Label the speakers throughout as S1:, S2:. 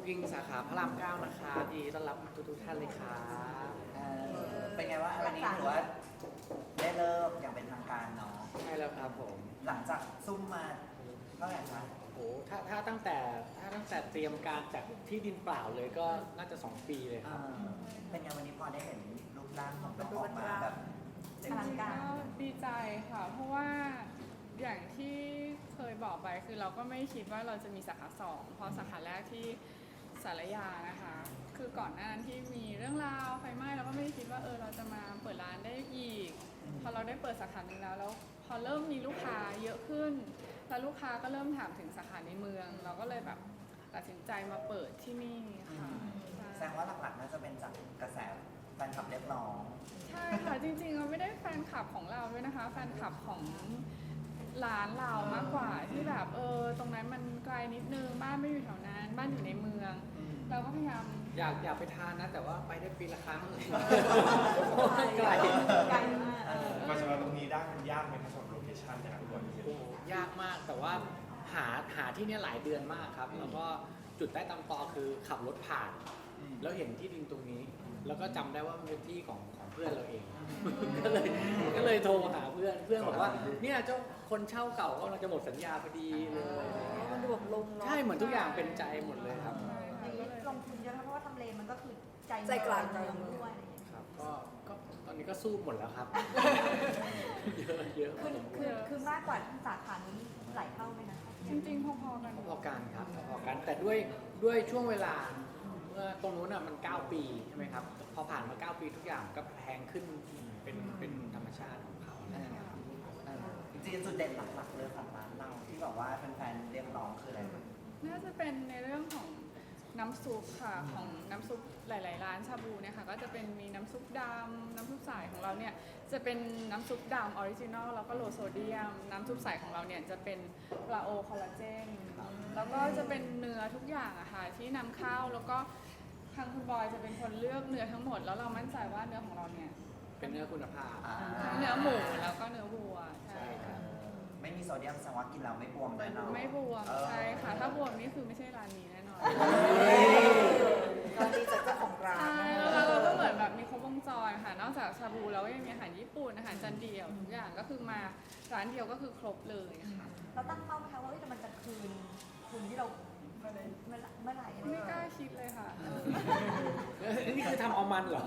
S1: กิงสาขาพระราม9นะคะดีต้อนรับทุกท่านเลยค่ะ
S2: เป็นไงว่าวันนี้ถือว่าได้เริ่มอย่างเป็นทางการเนาะ
S1: ใช่แล้วครับผม
S2: หลังจากซุ่มมาเท่าไหร่คะ
S1: โอ้ถ้าตั้งแต่เตรียมการจากที่ดินเปล่าเลยก็น่าจะ2 ปีเลยครับ
S2: เป็นไงวันนี้พอได้เห็นรูปร่างของน้องออกมาแบบ
S3: จริงๆก็ดีใจค่ะเพราะว่าอย่างที่เคยบอกไปคือเราก็ไม่คิดว่าเราจะมีสาขา2เพราะสาขาแรกที่สารยานะคะคือก่อนหน้านั้นที่มีเรื่องราวไฟไหม้เราก็ไม่ได้คิดว่าเราจะมาเปิดร้านได้อีกพอเราได้เปิดสาขาหนึ่งแล้วพอเริ่มมีลูกค้าเยอะขึ้นแล้วลูกค้าก็เริ่มถามถึงสาขาในเมือง เราก็เลยแบบตัดสินใจมาเปิดที่นี่ค่ะ
S2: แสดงว่าหลักๆน่าจะเป็นจากกระแสแฟนคลับเรียกร้อง
S3: ใช่ค่ะจริงๆเราไม่ได้แฟนคลับของเราด้วยนะคะแฟนคลับของร้านเรามากกว่าที่แบบตรงนั้นมันไกลนิดนึงบ้านไม่อยู่แถวนั้นบ้านอยู่ในเมืองเราก็พยายาม
S1: อยากไปทานนะแต่ว่าไปได้ปีละครั้ง
S3: ไกลมาก
S4: มาสำหรับตรงนี้ได้มันยากไหมครับสำหรับโลเคชั่นนะครับทุกคน
S1: ยากมากแต่ว่าหาที่นี่หลายเดือนมากครับแล้วก็จุดใต้ตำตอคือขับรถผ่านแล้วเห็นที่ดินตรงนี้แล้วก็จำได้ว่ามันเป็นที่ของเพื่อนเราเองก็เลยโทรหาเพื่อนบอกว่าเนี่ยเจ้าคนเช่าเก่าก็เราจะหมดสัญญาพอดีเลย
S5: มันดูแบบลง
S1: ใช่เหมือนทุกอย่างเป็นใจหมดเลยครับ
S5: ลงทุนเยอะเพราะว่าทำเลมันก็คือใจกลางเมืองด้วย
S1: ครับก็ตอนนี้ก็สู้หมดแล้วครับเยอะ
S5: คือมากกว่าสาขานี้หลายเท่าไหมนะ
S3: จริงๆพอๆกัน
S1: พอกันครับพอกันแต่ด้วยช่วงเวลาเมื่อตรงนู้นมัน9 ปีใช่ไหมครับพอผ่านมา9 ปีทุกอย่างก็แพงขึ้นเป็นธรรมชาติของเขา
S2: จริงๆจุดเด่นหลักๆเลยของร้านเราที่แบบว่าแฟนๆเรียกร้องคืออะไร
S3: น่าจะเป็นในเรื่องของน้ำซุปค่ะของน้ำซุปหลายๆร้านชาบูเนี่ยค่ะก็จะเป็นมีน้ำซุปดำน้ำซุปใสของเราเนี่ยจะเป็นน้ำซุปดำออริจินอลแล้วก็โลโซเดียมน้ำซุปใสของเราเนี่ยจะเป็นปลาโอคอลลาเจนแล้วก็จะเป็นเนื้อทุกอย่างอะค่ะที่นำเข้าแล้วก็ทางคุณบอยจะเป็นคนเลือกเนื้อทั้งหมดแล้วเรามั่นใจว่าเนื้อของเราเนี่ย
S1: เป็นเนื้อคุณภาพ
S3: เนื้อหมูแล้วก็เนื้อวัวใช่ค่ะ
S2: ไม่มีโซเดียมแสดงว่ากินเราไม่บวมแน่นอน
S3: ไม่บวมใช่ค่ะถ้าบวมนี่คือไม่ใช่ร้านนี้แน่นอน
S5: ตอนนี้จากเจ้าของร้าน
S3: ใช่แล้วเราก็เหมือนแบบมีครบวงจรค่ะนอกจากชาบูแล้วก็ยังมีอาหารญี่ปุ่นอาหารจานเดียวทุกอย่างก็คือมาร้านเดียวก็คือครบเลยค่ะ
S5: เราตั้งเป้าไหมคะว่ามันจะคืนทุนที่เราเมื่อไหร่
S3: ไม่กล้าคิดเลยค่ะ
S1: นี่คือทำเอามันเหรอ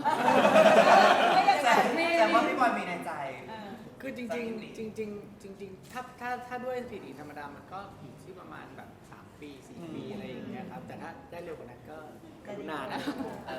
S2: แต่ว่าพี่บอยมีในใจ
S1: คือจริงถ้าด้วยสถิติธรรมดามันก็อยู่ที่ประมาณแบบ3 ปี4 ปีอะไรอย่างเงี้ยครับแต่ถ้าได้เร็วกว่านั้นก็นานนะ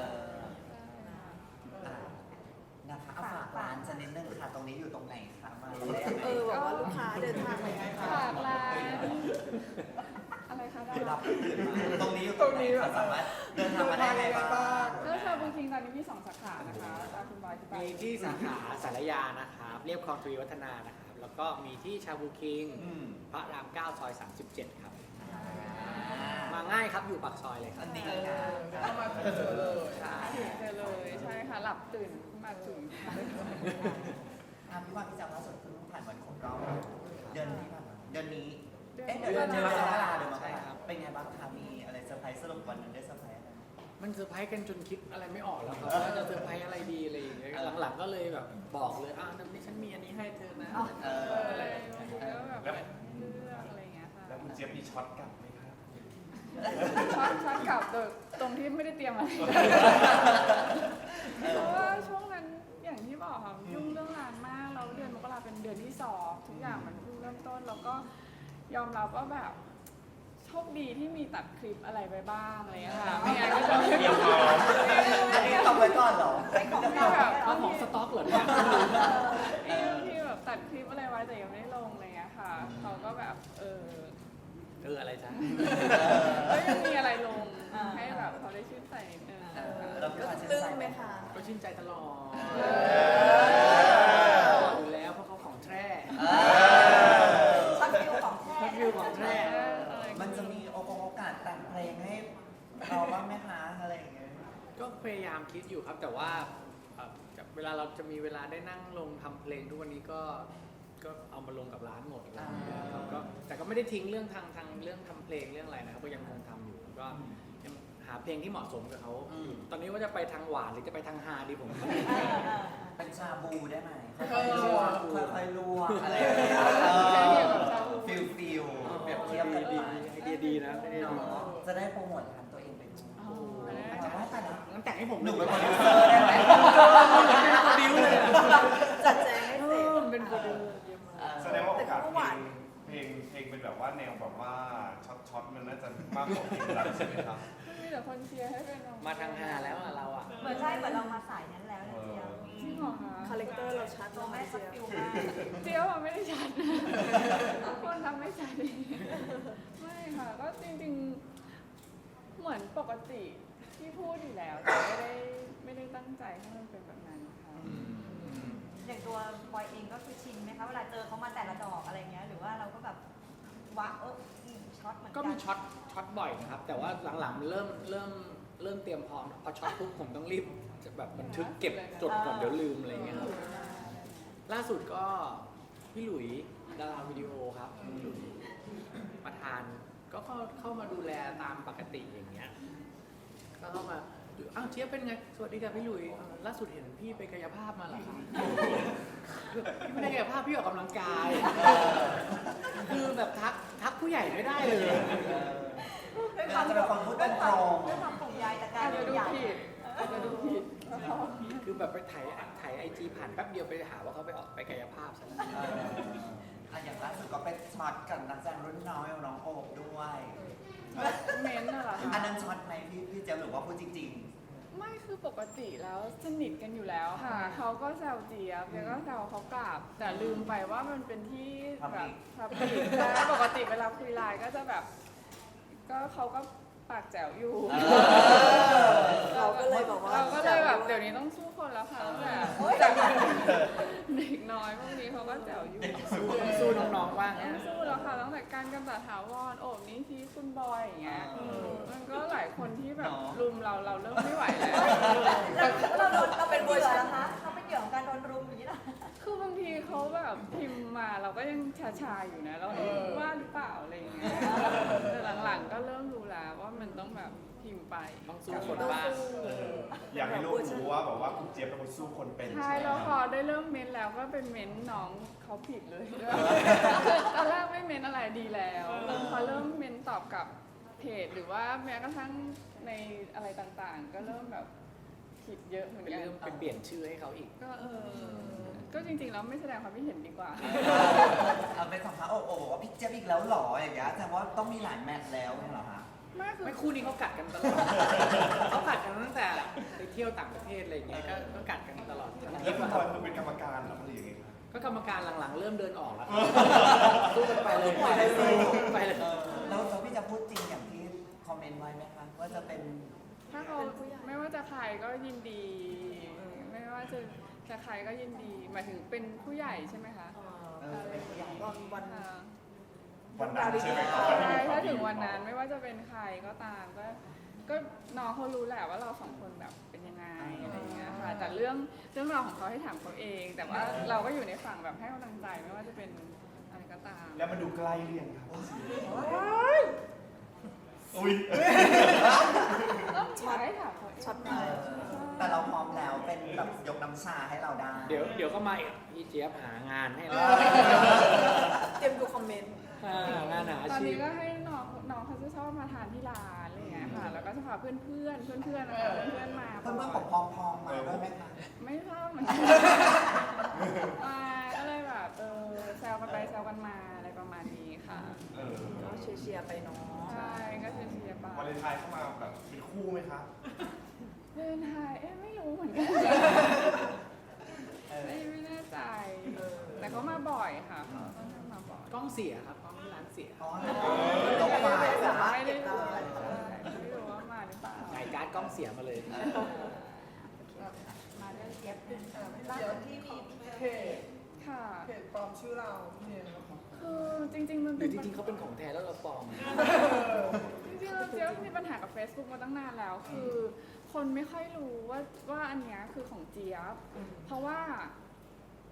S2: นะคะเอาฝากร้านจะนิดนึงค่ะตรงนี้อยู่ตรงไหนคะมา
S5: บอกว่าลูกค้าเดินทางมา
S3: ฝากร้านอะไรคะ
S2: รับตรงนี้อยู่ตรงนี้สามารถเดินทางมาได้ไงบ้าง
S3: ก็ชาบูคิงตอนนี้มี2 สาขานะคะตามคุณบอยที่
S1: มีที่สาขาสารยานะครับเรียบคลองทวีวัฒนานะครับแล้วก็มีที่ชาบูคิงพระราม9 ซอย 37 ครับมาง่ายครับอยู่ปากซอยเลยครับ
S2: นี่
S3: เข้ามาเจอเลยใช่เจอเลยใช่ค่ะหลับตื่นมาถึง
S2: พี่ว่าพี่จำล่าสุดเพิ่งผ่านวันครบรอบเดือนนี้เดือนนี้เดือนมกราเลยมั้งครับเป็นไงบ้างคะมีอะไรเซอร์ไพรส์สรุปวันนั้นได้เซอร์ไพรส์อะไร
S1: มันเซอร์ไพรส์กันจนคิดอะไรไม่ออกแล้วครับว่าจะเซอร์ไพรส์อะไรดีอะไรอย่างเงี้ยหลังๆก็เลยแบบบอกเลยนี่ฉันมีอันนี้ให้เธอนะ
S3: อะไรแล้วแบบเลือกอะไรอย่างเงี้ยค่ะ
S4: แล้วคุณเจี๊ยบมีช็อตกลับไหมครับ
S3: ช็อตกลับตรงที่ไม่ได้เตรียมอะไรเพราะว่าช่วงนั้นอย่างที่บอกค่ะยุ่งเรื่องงานมากแล้วเดือนมกราเป็นเดือนที่2ทุกอย่างมันเพิ่งเริ่มต้นแล้วก็ยอมรับว่าแบบโชคดีที่มีตัดคลิปอะไรไปบ้างอะไรอย่างเงี้ยค่ะไม่งั้นก็จะ
S2: เดี๋ยวอันนี้ทำไว้ก่อนเหรอ
S3: ไอ้ของที่แบบ
S1: ของสต็อกเหรอเนี่ย
S3: ที่แบบตัดคลิปอะไรไว้แต่ยังไม่ได้ลงอะไรอย่างเงี้ยค่ะเขาก็แบบ
S1: อะไรจ๊ะ
S3: ยังมีอะไรลงให้แบบเขาได้ชื่นใจนิดนึง
S5: ก็ตึ้งไหมคะ
S1: ก็ชื่นใจตลอดอยู่แล้วเพราะเขาของแท้
S5: ช็อตฟิวของแท้
S2: มันจะมีโอกาสแต่งเพลงให้เราบ้างไหมคะอะไรอย่างเงี้ย
S1: ก็พยายามคิดอยู่ครับแต่ว่าเวลาเราจะมีเวลาได้นั่งลงทำเพลงทุกวันนี้ก็เอามาลงกับร้านหมดแต่ก็ไม่ได้ทิ้งเรื่องทางเรื่องทำเพลงเรื่องอะไรนะครับก็ยังคงทำอยู่ก็ยังหหาเพลงที่เหมาะสมกับเขา ตอนนี้ว่าจะไปทางหวานหรือจะไปทางฮาดีผม
S2: เป็นชาบูได้ไหมค่อยๆลวกค่อยๆลวกอะไรอย่างเงี้ยฟิลเปรียบเทียบกันไป
S1: ไอเดียดีนะไอเดียดี
S2: เนาะจะได้โปรโมทร้านตัวเองไปด้วย
S3: อ๋อ
S2: แต่ว่าแต่ละ
S1: งั้นแต่งให้ผม
S2: หนู
S1: ง
S2: เป็นโปรดิวเซอร์ได้ไหม
S1: เป็นโปรดิวเลยอะ
S5: จัดแจงให้เสร็จ
S1: เป็นโปรดิว
S4: แสดงว่าโอกาสเพลงเป็นแบบว่าแนวแบบว่าช็อตมันน่าจะมากกว่าเพลงรักใช่ไหมครับ
S3: มีแต่คนเชียร์ให้เป็นน้อง
S1: มาทางฮาแล้วอะเราอะ
S5: เหมือนใช่เหมือนเรามาสายนั้นแล้วนะเจียบ
S3: จริงเหรอคะ
S6: คาแรคเตอร์เราชัด
S5: ตัวแม่สกิลมาก
S3: เจียวอะไม่ได้ชัดคนทำไม่ชัดเองไม่ค่ะก็จริงๆเหมือนปกติที่พูดอยู่แล้วแต่ไม่ได้ตั้งใจให้มันเป็นแบบนั้นค่ะ
S5: อย่างตัวบอยเองก็คือชินไหมคะเวลาเจอเขามาแต่ละดอกอะไรเงี้ยหรือว่าเราก็แบบวะช็อตเหมือนกัน
S1: ก็มีช็อตบ่อยนะครับ แต่ว่าหลังๆมันเริ่มเตรียมพร้อมพอช็อตปุ๊บผมต้องรีบจะแบบบันทึกเก็บจดก่อนเดี๋ยวลืมอะไรเงี้ยครับล่าสุดก็พี่หลุยดาราวิดีโอครับพี่หลุยประธานก็เข้ามาดูแลตามปกติอย่างเงี้ยก็เข้ามาอ้าวเชียบเป็นไงสวัสดีค่ะพี่หลุยล่าสุดเห็นพี่ไปกายภาพมาเหรอคะพี่ไม่ได้กายภาพพี่ออกกำลังกายคือแบบทักผู้ใหญ่ไม่ได้เลย
S2: เราจะเป็นคนพูดตรง
S5: ด้วยความห่วงใยแต่การ
S3: อาจจะดู
S5: ใหญ่
S3: ผิดอาจจะดูผิด
S1: คือแบบไปถ่ายไอจีผ่านแป๊บเดียวไปหาว่าเขาไปออกไปกายภาพซะแล้ว
S2: อย่างล่าสุดก็เป็นช็อตกับนักแสดงรุ่นน้อยน้องโอบด้วย
S3: เม้นท์น่ะเหรอ
S2: อัน
S3: คะ
S2: นั้นช็อตไหมพี่เจี๊ยบหรือว่าพูดจริง
S3: ไม่คือปกติแล้วสนิทกันอยู่แล้วค่ะเขาก็แซวเจี๊ยบเจี๊ยบก็แซวเขากลับ แต่ลืมไปว่ามันเป็นที่แบบพับลิกใช่ปกติเวลาคุยไลน์ก็จะแบบ ก็เขาก็ปากแจ๋วอยู่
S6: เราก็เลยบอกว่า
S3: เราก็เลยแบบเดี๋ยวนี้ต้องสู้คนแล้วค่ะแบบจากเด็กน้อยพวกนี้เขาก็แจ๋วอยู่
S1: สู้น้องๆบ้าง
S3: ไม่สู้แล้วค่ะตั้งแต่การกำจัดถาวรโอบนี้ที่คุณบอยอย่างเงี้ยมันก็หลายคนที่แบบรุมเราเริ่มไม่ไหวแล้ว
S5: เราเป็นเหยื่อนะคะเขาเป็นเหยื่อของการโดนรุมอย่างนี้เหรอ
S3: คือบางทีเขาแบบพิมพ์มาเราก็ยังชาๆอยู่นะเราว่าหรือเปล่าอะไรอย่างเงี้ยแต่หลังๆก็เริ่มรู้แล้วว่ามันต้องแบบพิมพ์ไป
S1: ต้องสู้คนบ้าง
S4: อยากให้ลูกรู้ว่าแบบว่าคุณเจี๊ยบเป็นคนสู้คนเป็น
S3: ใช่
S4: ไหม
S3: แล้ว
S4: ค
S3: พ
S4: รั
S3: อบ ได้เริ่มเม้นแล้วก็เป็นเม้นน้องเขาผิดเลยคือตอนแรกไม่เม้นอะไรดีแล้วพอเริ่มเม้นตอบกับเพจหรือว่าแม้กระทั่งในอะไรต่างๆ ก็เริ่มแบบผิดเยอะเหมือน
S1: เป็น
S3: กัน
S1: เรื่องไปเปลี่ยนชื่อให้เขาอีก
S3: ก็จริงๆแล้วไม่แสดงความคิดเห็นดีกว่า
S2: ๆเอาเป็นสัมภาษณ์โอบบอกว่าพี่เจี๊ยบอีกแล้วหรออย่างเงี้ยแต่ว่าต้องมีหลายแมตช์แล้วเนี่ยเหรอคะ
S3: ไม่คือ
S1: ไม่คู่นี้เขากัดกันตลอด เขากัดกันตั้งแต่ไปเที่ยวต่างประเทศอะไรอย่างเงี้ยก็กัดกันตลอดทั้งท
S4: แล้
S1: ริ
S4: ว
S1: ป
S4: คุณ
S1: อะ
S4: บอยคือเป็นกรรมการเหรอหรือยังไงครับ
S1: ก็กรรมการหลังๆ เริ่มเดินออกแล้วสู้กันไปเลยไปเลย
S2: แล้วพี่จะพูดจริงอย่างที่คอมเมนต์ไว้ไหมคะว่าจะเป็น
S3: ถ้าเขาไม่ว่าจะใครก็ยินดี ไม่ว่าจะใครก็ยินดี หมายถึงเป็นผู้ใหญ่ใช่ไหมคะ
S2: เป็นผู้ใหญ่
S6: วัน
S3: ค่ะ
S4: วันนั้นใช่ไหมครับ
S3: ใช่ถ้าถึงวันนั้นไม่ว่าจะเป็นใครก็ตามก็น้องเขารู้แหละว่าเราสองคนแบบเป็นยังไงอะไรอย่างเงี้ยค่ะแต่เรื่องราวของเขาให้ถามเขาเอง แต่ว่าเราก็อยู่ในฝั่งแบบให้กำลังใจไม่ว่าจะเป็นอะไรก็ตาม
S4: แล้วมันดูใกล้เรียงครับอุ้ย
S3: ต้องใช้ถามเขาเอง
S6: ช็อตมา
S2: แต่เราพร้อมแล้วเป็นแบบยกน้ำชาให้เราได้
S1: เดี๋ยวก็มาอีกพี่เจี๊ยบหางานให้เรา
S6: เตรียมดูคอมเมนต์
S1: งานหา
S3: ตอน
S1: อาชี
S3: นี้
S1: พ
S3: ก็ให้น้องเขาจะชอบมาทานที่ร้านอะไรอย่างเงี้ยค่ะ แล้วก็จะพาเพื่อนนะคะเพื่อนมา
S2: เพื่อนๆของพองๆมาด้วยไหมคะ
S3: ไม่ชอบเหมือนกันก็เลยแบบแซวกันไปแซวกันมาอะไรประมาณนี้ค่ะ
S6: ก็เชียร์ๆไปเนาะ
S3: ใช่ก็เชียร์ๆไป
S4: วาเลนไทน์เข้ามาแบบเป็นคู่ไหมครับ
S3: เดินไทยไม่รู้เหมือนกันไม่แน่ใจ แต่เขามาบ่อยค่ะเขาค่อนข้างมาบ่อย
S1: กล้องเสียครับกล้องที่ร้านเสีย
S2: อ๋อลบไปเหรอ
S3: ไม่ได้รู้ไม่รู้ว่ามาหรือเปล่า
S1: จ่ายการ์ดกล้องเสียมาเลย
S5: มาเรื่องเจี๊ยบเป็นล่าสุดที่มี
S6: เพจ
S3: ค่ะ
S6: เพจปลอมชื่อเราเนี่ยนะคะ
S3: คือจริงๆมัน
S1: หรือจริงๆเขาเป็นของแท้แล้วเราปลอม
S3: จริงๆเราเจี๊ยบมีปัญหากับ Facebook มาตั้งนานแล้ว คือคนไม่ค่อยรู้ว่าอันเนี้ยคือของเจี๊ยบเพราะว่า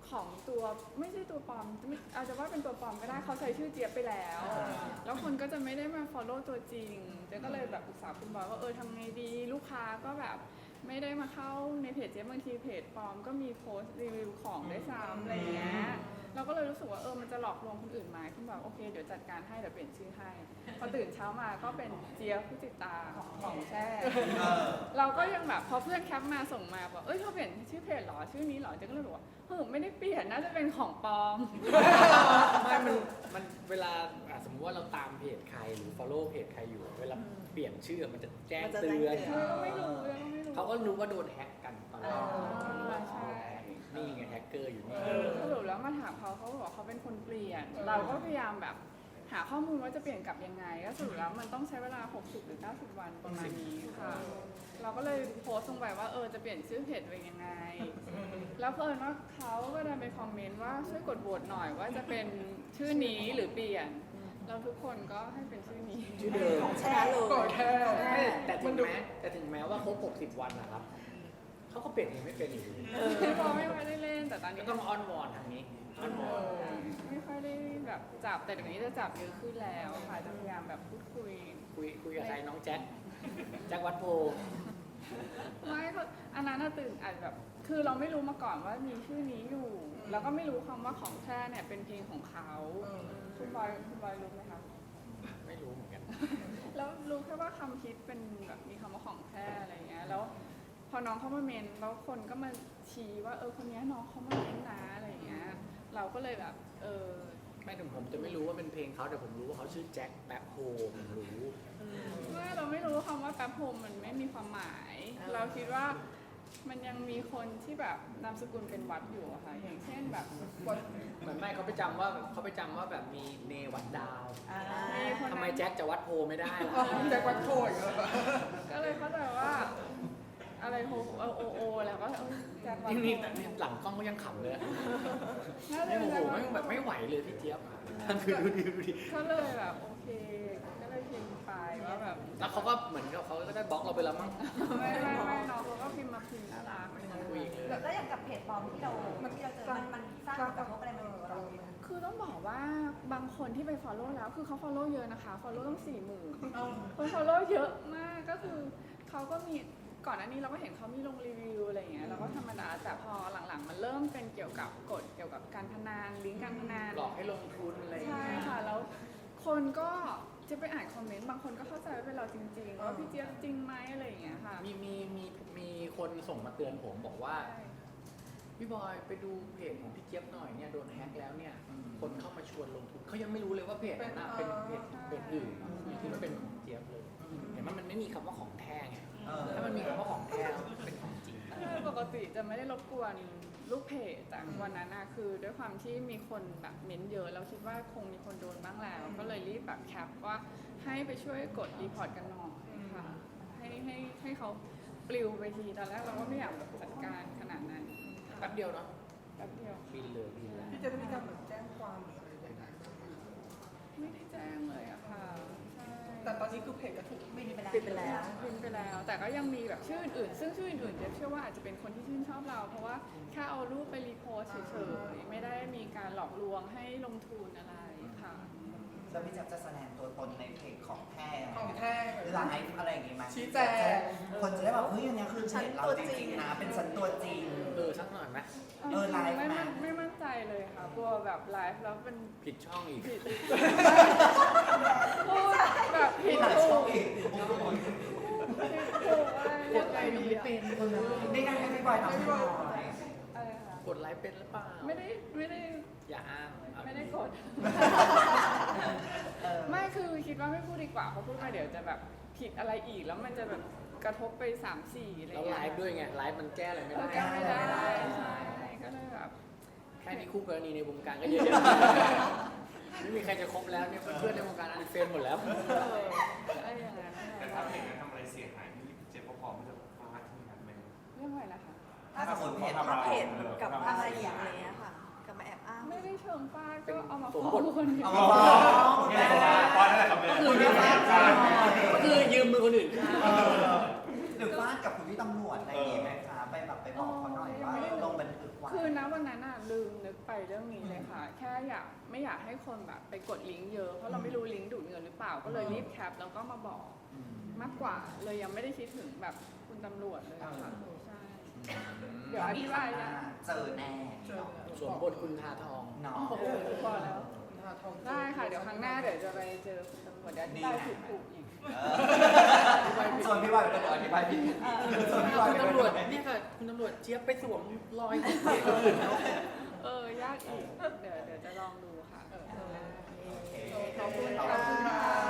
S3: ของตัวไม่ใช่ตัวปลอมไม่อาจจะว่าเป็นตัวปลอมก็ได้เขาใช้ชื่อเจี๊ยบไปแล้ว แล้วคนก็จะไม่ได้มา follow ตัวจริงเจ๊ก็เลยแบบปรึกษาคุณบอยว่าทำไงดีลูกค้าก็แบบไม่ได้มาเข้าในเพจเจ๊บางทีเพจปลอมก็มีโพสต์รีวิวของด้วยซ้ำอะไรอย่างเงี้ยเราก็เลยรู้สึกว่ามันจะหลอกลวงคนอื่นไหมคุณบอกโอเคเดี๋ยวจัดการให้เดี๋ยวเปลี่ยนชื่อให้พอตื่นเช้ามาก็เป็นเจี๊ยบผู้ติดตาของแช่ เราก็ยังแบบพอเพื่อนแคปมาส่งมาบอกเธอเปลี่ยนชื่อเพจเหรอชื่อนี้เหรอเจ๊ก็เลยบอกว่าไม่ได้เปลี่ยนน่าจะเป็นของปลอม
S1: ไม่มันเวลาสมมติว่าเราตามเพจใครหรือ follow เพจใครอยู่เวลาเปลี่ยนชื่อมันจะแจ้งเตือน
S3: เราก็ไม่รู้
S1: เขาก็รู้ว่าโดนแฮ็กกันตอนแรก
S3: ใช่
S1: นี่ไงแฮกเกอร์อยู่นี่
S3: สรุปแล้วมาถามเขาบอกเขาเป็นคนเปลี่ยน เราก็พยายามแบบหาข้อมูลว่าจะเปลี่ยนกลับยังไงก็สรุปแล้วมันต้องใช้เวลา60หรือ90วันประมาณนี้ค่ะ เราก็เลยโพสต์ลงไปว่าจะเปลี่ยนชื่อเพจเป็นยังไง แล้วเพิ่นว่าเขาก็ได้ไปคอมเมนต์ว่าช่วยกดโหวตหน่อยว่าจะเป็นชื่อนี้หรือเปลี่ยนเราทุกคนก็ให้เป็นชื่อนี้
S1: ชื่อเดิม
S6: ชนะเลย
S3: ก่อนแค่
S1: แต่ถึงแม้ว่าครบ60 วันนะครับเขาก็เปลี่ยนเองไม่เป็นอยู่ดี
S3: พอไม่ค่อยได้เล่นแต่ตอน
S1: ก็
S3: นี้
S1: ต้องอ้อนวอนทางนี้อ้อนวอน
S3: ไม่ค่อยได้แบบจับแต่เดี๋ยวนี้จะจับเยอะขึ้นแล้วค่ะจะพยายามแบบพูดคุย
S1: คุยกับใครน้องแจ็ควัดโพ
S3: ไม่ก็อันนั้นน่ะตื่นอาจแบบคือเราไม่รู้มาก่อนว่ามีชื่อนี้อยู่ แล้วก็ไม่รู้คำว่าของแท้เนี่ยเป็นเพลงของเขาคุณบอยรู้ไหมคะ
S1: ไม่รู้เหมือนกัน
S3: แล้วรู้แค่ว่าคำคิดเป็นแบบมีคำว่าของแท้อะไรเงี้ยแล้วพอน้องเขามาเมนแล้วคนก็มาชี้ว่าคนนี้น้องเขามาเมนนะอะไรเงี้ยเราก็เลยแบบ
S1: ไม่ถึงผมจะไม่รู้ว่าเป็นเพลงเขาแต่ผมรู้ว่าเขาชื่อแจ็คแบ็คโฮผมรู้
S3: ไม่เราไม่รู้คำว่าแป๊บโฮมมันไม่มีความหมาย เราคิดว่ามันยังมีคนที่แบบนามสกุลเป็นวัดอยู่อะค่ะอย่างเช่นแบบวัด
S1: เหมือนไม่เขาไปจำว่าแบบมีเนวัดดาว
S3: มีคน
S1: ทำไมแจ็คจะวัดโพไม่ได้ล่ะ
S6: แจ็ควัดโถย
S3: ก็เลยเข้าใจว่าอะไรโฮโอแล้วก็แจ็ควัดโฮ
S1: นี่หลังกล้องก็ยังขำเลย
S3: น่าจะ
S1: โอ้
S3: เป็น
S1: โห
S3: แจ็ควัดโฮ
S1: แบบไม่ไหวเลยพี่เจี๊ยบคือดูดิ
S3: ก็เลยแบบโอเคก็เลยพิมพ์ไปว่าแบบ
S1: แล้วเขาก็เหมือนกับเขาก็ได้บล็อกเราไปแล้วมั้ง
S3: ไม่น้องเขาก็พิมพ์มาพิมพ์น่ารัก
S1: ไม่ต้องคุยอีกเลย
S5: แล้วอย่างกับเพจปลอมที่เราเจอมันสร้างผลกระทบอะไรมากับเราไหม
S3: คือต้องบอกว่าบางคนที่ไป follow แล้วคือเขา follow เยอะนะคะ follow ต้อง 40,000 คน follow เยอะมากก็คือเขาก็มีก่อนหน้านี้เราก็เห็นเขามีลงรีวิวอะไรอย่างเงี้ยเราก็ธรรมดาแต่พอหลังๆมันเริ่มเป็นเกี่ยวกับกฎเกี่ยวกับการพนันลิงก์การพนัน
S1: หลอกให้ลงทุนอะไรอย่าง
S3: ใช่
S1: เงี้ย
S3: ค่ะแล้วคนก็จะไปอ่านคอมเมนต์บางคนก็เข้าใจว่าเป็นเราจริงๆว่าพี่เจี๊ยบจริงไหมอะไรอย่างเงี้ยค่ะ
S1: มีคนส่งมาเตือนผมบอกว่า
S3: ใช่
S1: พี่บอยไปดูเพจของพี่เจี๊ยบหน่อยเนี่ยโดนแฮ็กแล้วเนี่ยคนเข้ามาชวนลงทุนเขายังไม่รู้เลยว่าเพจนั้นน่ะเป็นเพจอื่นคิดว่าเป็นของเจี๊ยบเลยเห็นไหมมันไม่มีคำว่าของแท้ไงถ้ามันมีคำว่าของแท้เป็นของจริง
S3: ใช่ปกติจะไม่ได้รบกวนลูกเพจแต่วันนั้นนะคือด้วยความที่มีคนแบบเม้นเยอะเราคิดว่าคงมีคนโดนบ้างแล้วก็เลยรีบแบบแคปว่าให้ไปช่วยกดรีพอร์ตกันหน่อยค่ะให้เขาปลิวไปทีตอนแรกเราก็ไม่อยากจัดการขนาดนั้น
S1: แป๊บเดียวเนาะ
S3: แป๊บเดียว
S1: บินเลย
S6: พี่จะได้มีการเหมือนแจ้งความหรืออะไรอย่างเงี้ย
S3: ไม่ได้แจ้งเลยอะค่ะใช่
S6: แต่ตอนนี้คือเพจก็ถูก
S5: ไม่มีไปแล้ว
S6: ปิดไปแล้ว
S3: พิมพ์ไปแล้ว แต่ก็ยังมีแบบชื่ออื่นๆซึ่งชื่ออื่นๆเจ๊เชื่อว่าอาจจะเป็นคนที่ชื่นชอบเรา เพราะว่าแค่เอารูปไปรีโพสต์เฉยๆไม่ได้มีการหลอกลวงให้ลงทุนอะไรค่ะ
S2: แล้วพี่แจ๊บจะแสดงตัวตนในเพจของแท้
S6: ของแท้
S2: ไลฟ์อะไรอย่างงี้ไหม
S6: ชี้แจง
S2: คนจะได้แบบเฮ้ยอันเนี้ยคือเพจเราจริงๆนะเป็นฉันตัวจริง
S1: สักหน่อยไหม
S2: ไลฟ์
S3: ไม่มั่นใจเลยค่ะกลัวแบบไลฟ์แล้วเป็น
S1: ผิดช่องอีก
S3: ผิดพูดแบบผิด
S2: หลาย
S3: ถู
S2: ช่อง
S3: ก
S2: อีก
S3: ผิดถูกอะไรยังไงดีอะ
S2: นี่ไงให้พี่บอยทำให้หน่อย
S3: อะไรคะ
S1: กดไลค์เป็นหรือเปล่า
S3: ไม่ได้
S1: อย่าอ้างเอา
S3: ไม่ได้กด ไม่คือคิดว่าไม่พูดดีกว่าเพราะพูดมาเดี๋ยวจะแบบผิดอะไรอีกแล้วมันจะแบบกระทบไป 3-4อะไร
S1: แล้ว
S3: เงี้
S1: ไล
S3: ย
S1: ฟ์ด้วยไงไลฟ์มันแก้อะไรไม่ได้
S3: แก้ไม่ได้ใช่ก็เลยแบบ
S1: แค่นี้คู่กรณีในวงการก็เยอะแยะไม่มีใครจะคบแล้วเนี่ยเพื่อนๆในวงการอันเฟรนหมดแล้ว
S3: อะไรอย่างนั้น
S4: แต่ถ้าเพลงนั้นทำอะไรเสียหายพี่เจฟก็พร้อมที่จะฟาดที่นั้นไหม
S3: เรื่องอะไรนะคะ
S2: ถ้าสมมติเพจ
S6: ถ้าเพจกับอะไรอย่างเงี้ยค่ะกับมาแอบอ้าง
S3: ไม่ได้เชิงฟาดก็เอามา
S1: สม
S3: ฟ้อบ
S1: ท
S3: งคนเดียว
S2: เอามาฟ้อง
S4: ฟาดนั่นแหละครับเนี่ย
S1: ก็คือยืมมือคนอื่น
S2: หรือฟาดกับคุณพี่ตำรวจอะไรอย่างนี้ไหมคะไปแบบไปบอกเขาหน่อยว่าลงบันทึกไว้
S3: คือณวันนั้นน่ะลืมนึกไปเรื่องนี้เลยค่ะ แค่ไม่อยากให้คนแบบไปกดลิงก์เยอะเพราะเราไม่รู้ลิงก์ดูดเงินหรือเปล่าก็เลยรีบแคปแล้วก็มาบอกมากกว่าเลยยังไม่ได้คิดถึงแบบคุณตำรวจเลยอะค่ะใช่เดี๋ยวอธิบายนะ
S2: เจอแน่
S1: สวมบทคุณทาทอง
S2: เนาะ
S3: โอ้โหพอแล้วได้ค่ะเดี๋ยวครั้งหน้าเดี๋ยวจะไปเจอคุณตำรวจเดี๋ยวอธิบายถูกๆอีก
S2: ส่วนพี่บอยเป็นคนอธิบายผิดส่วนพี่บอย
S1: คุณ
S2: เป็น
S1: ตำรวจ
S2: คน
S1: เนี่ยค่ะคุณตำรวจเจี๊ยบไปสวมรอย
S3: ยากอีกเดี๋ยวจะลองดูค่ะ
S2: โอเค
S3: ขอบคุณ
S2: ขอบคุณ
S3: ค่ะ
S2: ค่ะ